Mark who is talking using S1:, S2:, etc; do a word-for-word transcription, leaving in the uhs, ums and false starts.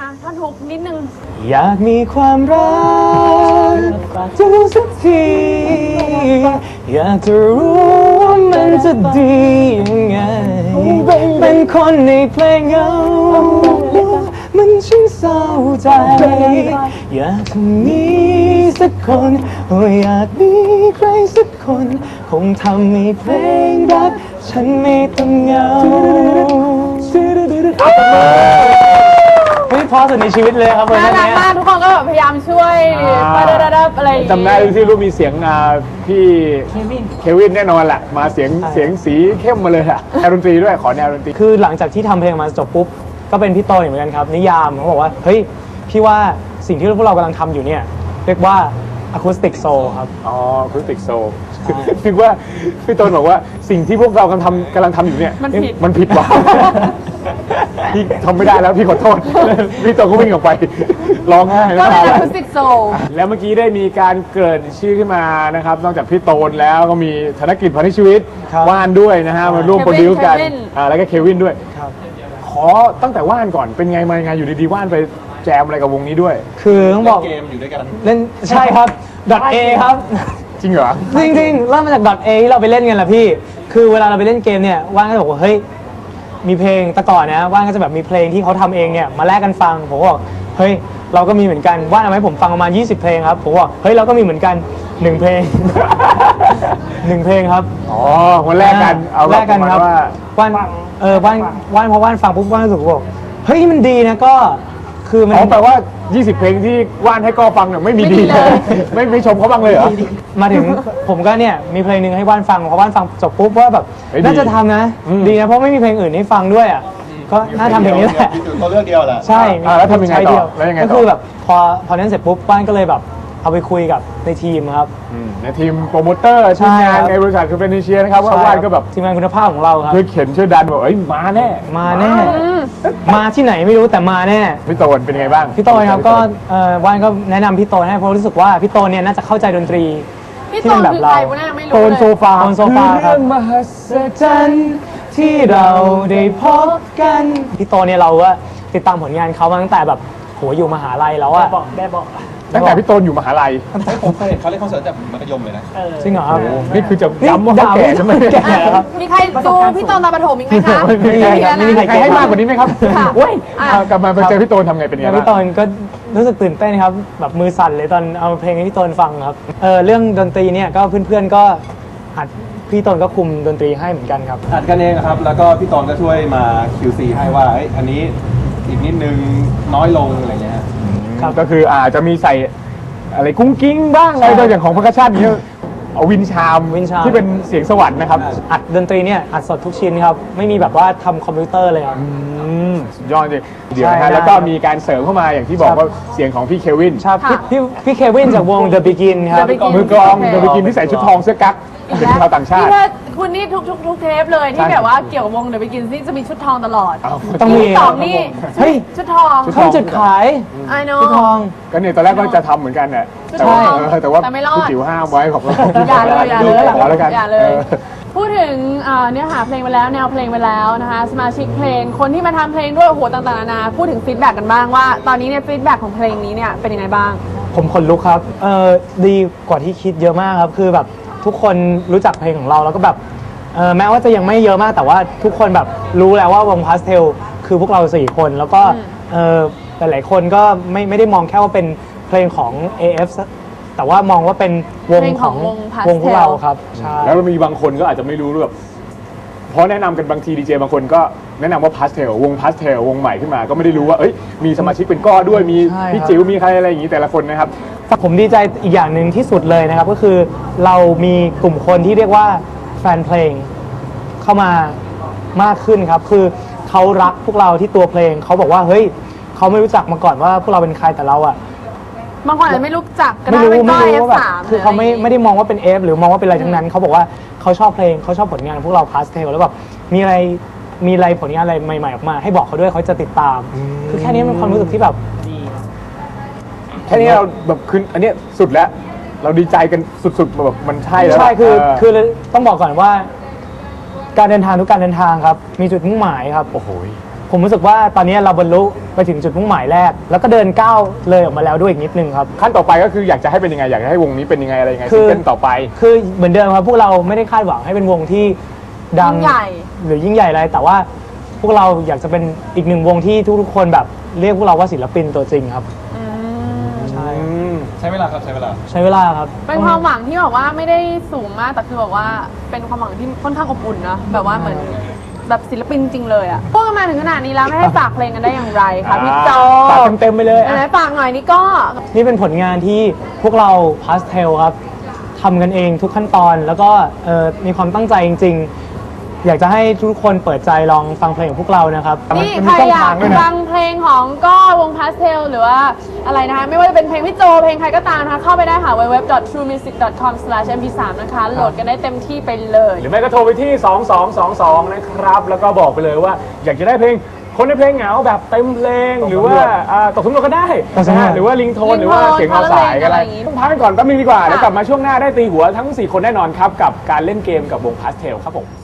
S1: ท่อนฮุกนิดนึง
S2: อยากมีความรักจะรู้สักทีอยากจะรู้ว่ามันจะดียังไงเป็นคนในเพลงเงามันช่างเศร้าใจอยากจะมีสักคนอยากมีใครสักคนคงทำให้เพลงรักฉันไม่ต้องเหงาไม่พอสุดในชีวิตเลยครับวันนี้น่ารัก
S1: มากทุกคนก็แบบพยายามช่วยปะดาอะไร
S3: จำได้ที่รู้มีเสียงพี่เควินแน่นอนแหละมาเสียงเสียงสีเข้มมาเลยอะแนวดนตรีด้วยขอแนวดนตรี
S2: คือหลังจากที่ทำเพลงมาจบปุ๊บก็เป็นพี่โตเหมือนกันครับนิยามเขาบอกว่าเฮ้ยพี่ว่าสิ่งที่พวกเรากำลังทำอยู่เนี่ยเรียกว่าอะคูสติกโซลครับ
S3: อ๋ออะคูสติกโซลคิดว่าพี่โตบอกว่าสิ่งที่พวกเรากำลังทำกำลังทำอยู่เนี่ย
S1: มันผิด
S3: มันผิดว่ะพี่ทำไม่ได้แล้วพี่ขอโทษพี่โตก็วิ่งออกไปร้องไห้
S1: ก็เป็นอะคูสติกโซล
S3: แล้วเมื่อกี้ได้มีการเกิดชื่อขึ้นมานะครับนอกจากพี่โตนแล้วก็มีธนกิจพานิชชีวิตว่านด้วยนะฮะมาร่วมโปรดิวซ์กันแล้วก็เควินด้วยขอตั้งแต่ว่านก่อนเป็นไงมาไงอยู่ดีๆว่านไปแจมอะไรกับวงนี้ด้วย
S2: คือต้องบอก
S4: เกมอยู่ด้วยกัน
S2: เล่นใช่ครับ .A ครับ
S3: จริงเหรอ
S2: จริงๆเริ่มมาจาก .A ที่เราไปเล่นกันแหละพี่คือเวลาเราไปเล่นเกมเนี่ยว่านก็บอกว่าเฮ้ยมีเพลงแต่ก่อนนะว่านก็จะแบบมีเพลงที่เขาทำเองเนี่ยมาแลกกันฟังผมก็บอกเฮ้ยเราก็มีเหมือนกันว่านเอาให้ผมฟังประมาณยี่สิบเพลงครับผมบอกเฮ้ยเราก็มีเหมือนกันหนึ่งเพลงหนึ่งเพลงครับ
S3: อ๋อคนแรกกันเอา
S2: แลกกันครับว่านเออว่านว่านพอว่านฟังปุ๊บว่านรู้สึกว่าเฮ้ยมันดีนะก็คือมัน
S3: แปลว่ายี่สิบเพลงที่ว่านให้ก็ฟังเนี่ยไม่มีดีเลยไม่ไม่ชมเขาบ้างเลยเหรอ
S2: มาถึงผมก็เนี่ยมีเพลงหนึ่งให้ว่านฟังพอว่านฟังจบปุ๊บว่าแบบน่าจะทำนะดีนะเพราะไม่มีเพลงอื่นให้ฟังด้วยอ่ะก็น่าทำเพลงนี้แหละ
S4: ตัวเลือกเดียวแหละ
S2: ใช่
S3: แล้วทำยังไงต่อแล้วยังไงต่อ
S2: ก็คือแบบพอพอนั้นเสร็จปุ๊บว่านก็เลยแบบเอาไปคุยกับในทีมครับ
S3: ในทีมโปรโมเตอร์ทีมงานในบริษัทคือเป็นเชียร์นะครับว่าว่านก็แบบ
S2: ทีมงานคุณภาพของเราครับ
S3: ช่วยเข็นช่วยดันบอกเอ้ยมาแน่
S2: มาแน่มาที่ไหนไม่รู้แต่มาแน่
S3: พี่โตนเป็นไงบ้าง
S2: พี่โตนครับก็ว่านก็แนะนำพี่โตนให้เพราะรู้สึกว่าพี่โตนเนี่ยน่าจะเข้าใจดนตรี
S1: ที่เป็นแบบเรา
S2: โตนโซฟาโตนโซฟาครับมหัศจรรย์ที่เราได้พบกันพี่โตเนี่ยเราก็ติดตามผลงานเขามาตั้งแต่แบบโหอยู่มหาลัยแล้วอะ
S1: บอกได้บอก
S3: ตั้งแต่พี่โตนอยู่มหาลัย
S4: ผมเคยเห็นเขาเล่นคอนเสิร์ตจากมัธยมเลยนะ
S2: จริงเหรอครับ
S3: นี่คือจะย้ำว่าเขาแก่จะไม่แก่ครับ
S1: มีใครดูพี่โตนตอนประถมอีกไหมคะ
S3: ไม่มีใครให้มากกว่านี้ไหมครับเว้ยกลับมาไปเจอพี่โตนทำไงเป็นไงบ้าง
S2: พี่โตนก็รู้สึกตื่นเต้นครับแบบมือสั่นเลยตอนเอาเพลงให้พี่โตนฟังครับเออเรื่องดนตรีเนี่ยก็เพื่อนๆก็อัดพี่โตนก็คุมดนตรีให้เหมือนกันครับ
S4: อัดกันเองครับแล้วก็พี่โตนก็ช่วยมา คิว ซี ให้ว่าอันนี้อีกนิดนึงน้อยลงอะไรเงี้ย
S3: ครับก็คืออาจจะมีใส่อะไรกุ้งกิ้งบ้างอะไรโดยอย่างของพักชาตินี้เอาวินชามที่เป็นเสียงสวรรค์นะครับ
S2: อัดดนตรีเนี่ยอัดสดทุกชิ้นครับไม่มีแบบว่าทำคอมพิวเตอร์เลยครับ
S3: สุดยอดจริงเดี๋ยวนะฮะแล้วก็มีการเสริมเข้ามาอย่างที่บอกว่าเสียงของพี่เควิน
S2: ครับพี่พี่เควินจากวง The Begin ครับ
S3: มือกลอง The Begin ที่ใส่ชุดทองเสื้อกั๊กเป็นชาวต่างชาติ
S1: คุณนี่ทุกทุกทุกเทปเลยที่แบบว่าเกี่ยวกับวง The Begin นี่จะมีชุดทองตลอด
S2: ต้องมี
S1: สองนี่เฮ้ยชุดทอง
S2: เขาจุดขายชุดทอง
S3: ก็เนี่ยตอนแรกก็จะทำเหมือนกันเนี่ยแต่ว่าแต่ว่าพี่จิ๋วห้ามไว้ของเรา
S1: อย่าเลยอย่าเลยอย่าเลยพูดถึงเนื้อหาเพลงไปแล้วแนวเพลงไปแล้วนะคะสมาชิกเพลงคนที่มาทำเพลงด้วยโอ้โหต่างๆนานาพูดถึงฟีดแบ็กกันบ้างว่าตอนนี้เนี่ยฟีดแบ็กของเพลงนี้เนี่ยเป็นยังไงบ้าง
S2: ผมขนลุกครับเออดีกว่าที่คิดเยอะมากครับคือแบบทุกคนรู้จักเพลงของเราแล้วก็แบบแม้ว่าจะยังไม่เยอะมากแต่ว่าทุกคนแบบรู้แล้วว่าวงพาสเทลคือพวกเราสี่คนแล้วก็หลายๆคนก็ไม่ไม่ได้มองแค่ว่าเป็นเพลงของ เอ เอฟ แต่ว่ามองว่าเป็นวงของวงพวกเราครับ
S3: ใช่แล้วมีบางคนก็อาจจะไม่รู้แบบเพราะแนะนำกันบางทีดีเจบางคนก็แนะนำว่าพาสเทลวงพาสเทลวงใหม่ขึ้นมาก็ไม่ได้รู้ว่าเอ้ยมีสมาชิกเป็นก้อด้วยมีพี่จิ๋วมีใครอะไรอย่างนี้แต่ละคนนะครับ
S2: ผมดีใจอีกอย่างหนึ่งที่สุดเลยนะครับก็คือเรามีกลุ่มคนที่เรียกว่าแฟนเพลงเข้ามามากขึ้นครับคือเขารักพวกเราที่ตัวเพลงเขาบอกว่าเฮ้ยเขาไม่รู้จักมาก่อนว่าพวกเราเป็นใครแต่เราอะ
S1: บางคนอาจจะไม่รู้จักก็
S2: ได้
S1: เป็นก้อย
S2: เอฟ สาม คือเขาไม่ไม่ได้มองว่าเป็นเอฟหรือมองว่าเป็นอะไรทั้งนั้นเขาบอกว่าเขาชอบเพลงเขาชอบผลงานพวกเราพาสเทลแล้วแบบมีอะไรมีอะไรผลงานอะไรใหม่ๆออกมาให้บอกเขาด้วยเขาจะติดตามคือแค่นี้เป็นความรู้สึกที่แบบ
S3: แค่นี้เราแบบคืออันนี้สุดแล้วเราดีใจกันสุดๆแบบมันใช่แล้ว
S2: ใช่คือคือต้องบอกก่อนว่าการเดินทางทุกการเดินทางครับมีจุดมุ่งหมายครับ
S3: โอ้โห
S2: ผมรู้สึกว่าตอนนี้เราบรรลุไปถึงจุดมุ่งหมายแรก แล้วก็เดินก้าวเลยออกมาแล้วด้วยอีกนิดนึงครับ
S3: ขั้นต่อไปก็คืออยากจะให้เป็นยังไงอยากจะให้วงนี้เป็นยังไงอะไรยังไง
S2: คื
S3: ซิง
S2: อ
S3: เกิลต่อไป
S2: คือเหมือนเดิมครับพวกเราไม่ได้คาดหวังให้เป็นวงที่ดัง
S1: ยิ่งใหญ่
S2: หรือยิ่งใหญ่อะไรแต่ว่าพวกเราอยากจะเป็นอีกหนึ่งวงที่ทุกๆคนแบบเรียกพวกเราว่าศิลปินตัวจริงครับ
S1: อืม
S2: ใช่
S4: ใช้เวลาครับใช้เวลา
S2: ใช้เวลาครับ
S1: เป็นความหวังที่แบบว่าไม่ได้สูงมากแต่คือแบบว่าเป็นความหวังที่ค่อนข้างอบอุ่นนะแบบว่าเหมือนแบบศิลปินจริงเลยอ่ะพวกกันมาถึงขนาดนี้แล้วไม่ให้ฝากเพลงกันได้อย่างไรคะพี่โจ
S3: ฝากเต็มๆไปเลย
S1: ไหนๆฝากหน่อยนี่ก็
S2: นี่เป็นผลงานที่พวกเราพาสเทลครับทำกันเองทุกขั้นตอนแล้วก็เอ่อมีความตั้งใจจริงๆ อยากจะให้ทุกคนเปิดใจลองฟังเพลงของพวกเรานะครับ
S1: นี่
S3: มัน
S1: ใคร
S3: มีช่อง
S1: อยา
S3: ทาก งด้วยนะ
S1: ฟังเพลงของก็วงพาสเทลหรือว่าอะไรนะคะไม่ว่าจะเป็นเพลงพี่โจเพลงใครก็ตามนะคะเข้าไปได้ค่ะ ดับเบิลยู ดับเบิลยู ดับเบิลยู ดอท ทรูมิวสิก ดอท คอม สแลช เอ็ม พี ทรี นะคะ โหลดกันได้เต็มที่ไปเลย
S3: หรือไม่ก็โทรไปที่ สองสองสองสอง นะครับ แล้วก็บอกไปเลยว่าอยากจะได้เพลงคนในเพลงเหงาแบบเต็มเพลงหรือว่าอ่าตกสำรวจก็ได้
S2: ตกสำรวจ
S3: นะฮะหรือว่าลิงโทน
S1: ลิงโทน
S3: หรือว่าเสียงเอาสายก็
S1: อะไร
S3: ได้
S1: อย่างงี้
S3: ต้องพักกันก่อนแป๊บนึงดีกว่าแล้วกลับมาช่วงหน้าได้ตีหัวทั้งสี่คนแน่นอนครับกับการเล่นเกมกับวงพาสเทลครับผม